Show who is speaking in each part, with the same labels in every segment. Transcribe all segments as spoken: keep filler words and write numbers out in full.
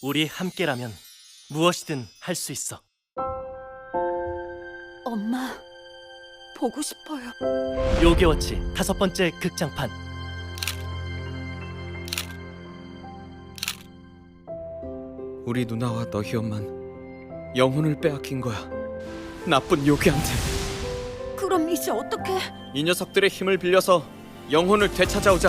Speaker 1: 우리 함께라면 무엇이든 할 수 있어.
Speaker 2: 엄마, 보고 싶어요.
Speaker 1: 요괴워치 다섯 번째 극장판.
Speaker 3: 우리 누나와 너희 엄만 영혼을 빼앗긴 거야. 나쁜 요괴한테.
Speaker 2: 그럼 이제 어떻게?
Speaker 3: 이 녀석들의 힘을 빌려서 영혼을 되찾아오자.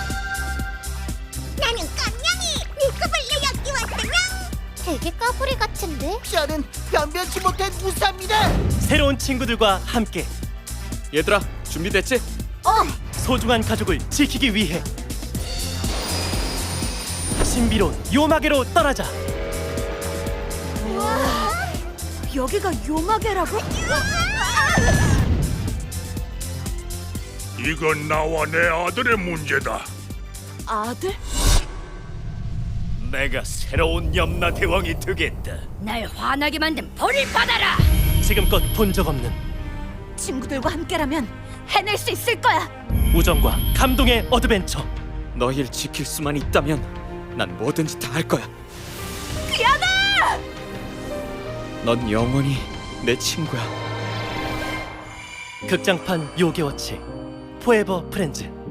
Speaker 4: 나는 깜냥이 밀크블루 엮기 왔다냥. 되게 까불이 같은데?
Speaker 5: 저는 변변치 못한 무사입니다.
Speaker 1: 새로운 친구들과 함께
Speaker 3: 얘들아, 준비됐지?
Speaker 1: 소중한 가족을 지키기 위해 신비로운 요마계로 떠나자.
Speaker 2: 여기가 요마계라고?
Speaker 6: 이건 나와 내 아들의 문제다.
Speaker 2: 아들?
Speaker 6: 내가 새로운 염라 대왕이 되겠다.
Speaker 2: 날 화나게 만든 벌을 받아라!
Speaker 1: 지금껏 본 적 없는
Speaker 2: 친구들과 함께라면 해낼 수 있을 거야!
Speaker 1: 우정과 감동의 어드벤처.
Speaker 3: 너희를 지킬 수만 있다면 난 뭐든지 다 할 거야.
Speaker 2: 귀하다!
Speaker 3: 넌 영원히 내 친구야.
Speaker 1: 극장판 요괴워치 포에버 프렌즈.